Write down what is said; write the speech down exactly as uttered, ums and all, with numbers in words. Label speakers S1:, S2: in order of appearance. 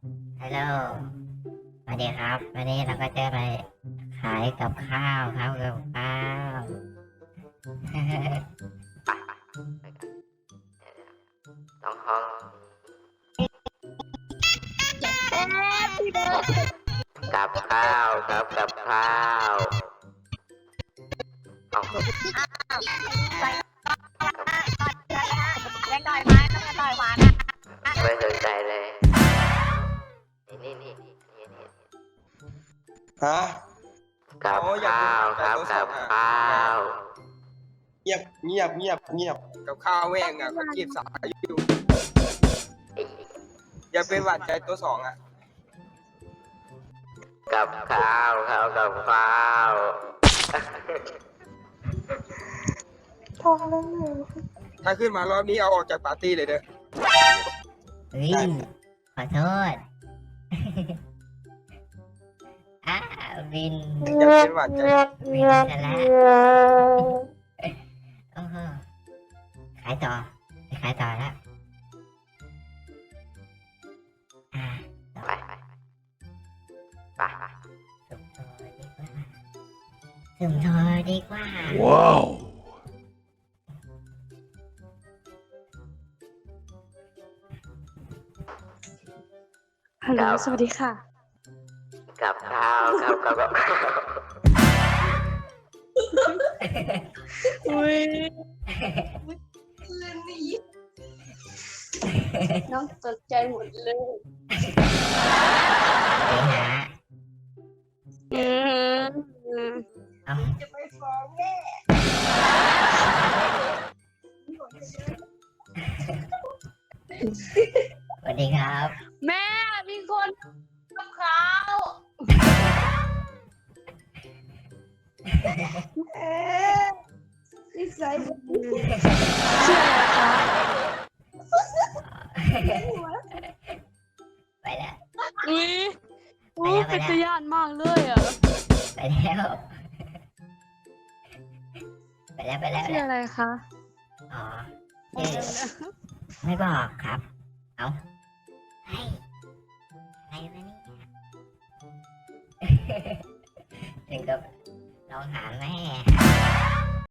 S1: ฮัลโหลสวัสดีครับวันนี้เราก็จะไปขายกับข้าวครับกับข้าว
S2: ต้องห้องกับข้าวครับกับข้าวเอา
S3: เล่นต่อยไม้ต้องต่อยหวานนะ
S2: ไม่สนใจเลยนี่นี่นี่นี่นี่
S4: ฮะ
S2: กับข้าวครับกับข้าว
S4: เงียบเงียบเงียบเงียบ
S5: กับข้าวแม่งอ่ะเขาจีบสาวอยู่อย่าเป็นหวานใจตัวสองอ่ะ
S2: กับข้าวครับกับข้าว
S5: ถ้าขึ้นมารอบนี้เอาออกจากปาร์ตี้เลยเด้อ
S1: เฮ้ยขอโทษ อ้าวิน
S5: อย่าเป็นหวานใจ
S1: วินซะแล้วโอ้โหขายต่อไปขายต่อแล้วอ่า
S2: ไปไปไป
S1: สุ่มโทรดีกว่าสุ่มโทรดีกว่า
S6: ว้าว
S7: ฮัลโหลสวัสดีค่ะ
S2: กับข้าวครับกับกับข้าว
S7: อุ้ยน้องตกใจหมดเลย
S1: ไปหา
S7: อืม
S1: เอา
S7: จะไปฟ้องแม่
S1: สวัสดีครับ
S7: แม่มีคนกับเขาเอ๊ะนิสัยชื่ออะไรคะ
S1: ไปแล้ว
S7: อุ้ยอุ้ยเป็นตะยานมากเลยอ่ะ
S1: ไปแล้วไปแล้วไปแล้วไป
S7: ชื่อ
S1: แล้ว
S7: อะไรคะ
S1: อ๋อชื่อไม่บอกครับ